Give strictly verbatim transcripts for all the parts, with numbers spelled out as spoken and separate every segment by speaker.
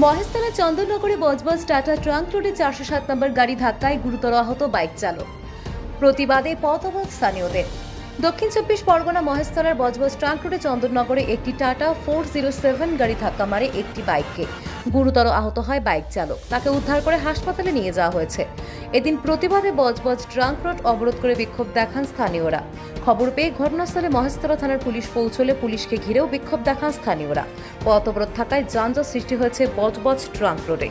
Speaker 1: মহেশতলা চন্দননগরে বজবজ টাটা ট্রাঙ্ক রোডে চারশো সাত নম্বর গাড়ি ধাক্কায় গুরুতর আহত বাইক চালক। প্রতিবাদে পথ অবরোধ স্থানীয়দের। দক্ষিণ চব্বিশ পরগনা মহেশতলার বজবজ ট্রাঙ্ক রোডে চন্দননগরে একটি টাটা ফোর জিরো সেভেন গাড়ি ধাক্কা মারে একটি বাইককে। গুরুতর আহত হয় বাইক চালক, তাকে উদ্ধার করে হাসপাতালে নিয়ে যাওয়া হয়েছে। এদিন প্রতিবাদে বজবজ ট্রাঙ্ক রোড অবরোধ করে বিক্ষোভ দেখান স্থানীয়রা। খবর পেয়ে ঘটনাস্থলে মহেশতলা থানার পুলিশ পৌঁছলে পুলিশকে ঘিরেও বিক্ষোভ দেখান স্থানীয়রা। পথ অবরোধ থাকায় যানজট সৃষ্টি হয়েছে বজবজ ট্রাঙ্ক রোডে।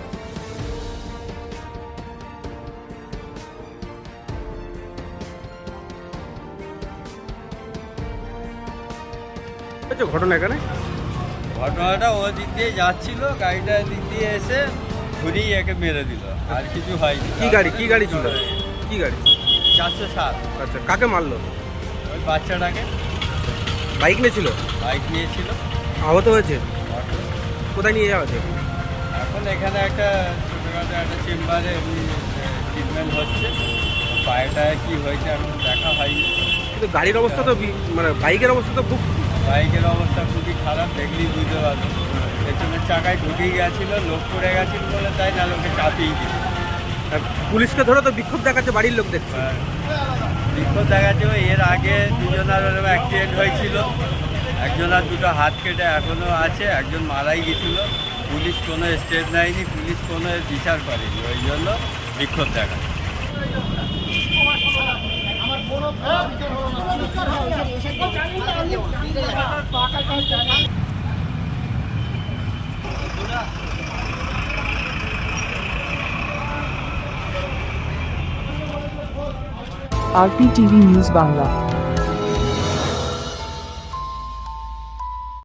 Speaker 2: ঘটনা এখানে
Speaker 3: ঘটনাটা ও দিক দিয়ে যাচ্ছিল, গাড়িটা দিক দিয়ে এসে ঘুরিয়ে একে মেরে দিল, আর কিছু হয়নি।
Speaker 2: কি গাড়ি কি গাড়ি ছিল কি গাড়ি
Speaker 3: চারশো সাত।
Speaker 2: আচ্ছা, কাকে মারলো?
Speaker 3: ওই বাচ্চাটাকে।
Speaker 2: বাইক নিয়েছিল?
Speaker 3: বাইক নিয়েছিল।
Speaker 2: আহত হয়েছে? কোথায় নিয়ে যাওয়া হয়েছে?
Speaker 3: এখন এখানে একটা ছোটোখাটো একটা চেম্বারে এমনি ট্রিটমেন্ট হচ্ছে। পায়েটায় কী হয়েছে এখন দেখা হয়নি।
Speaker 2: কিন্তু গাড়ির অবস্থা তো বি- মানে বাইকের অবস্থা তো খুব।
Speaker 3: বাইকের অবস্থা খুবই খারাপ, দেখলেই বুঝতে পারবে। পেছনের চাকায় ঢুকেই গেছিল, লোক পড়ে গেছিল বলে তাই না লোকে চাপিয়ে দিল।
Speaker 2: আর পুলিশকে ধরে তো বিক্ষোভ দেখাচ্ছে বাড়ির লোক দেখছে।
Speaker 3: আর বিক্ষোভ দেখাচ্ছে, এর আগে দুজনের ওরকম অ্যাক্সিডেন্ট হয়েছিল, একজনের দুটো হাত কেটে এখনও আছে, একজন মারাই গেছিল। পুলিশ কোনো স্টেপ নেয়নি, পুলিশ কোনো বিচার করেনি, ওই জন্য বিক্ষোভ দেখাচ্ছে।
Speaker 4: RP TV news Bangla.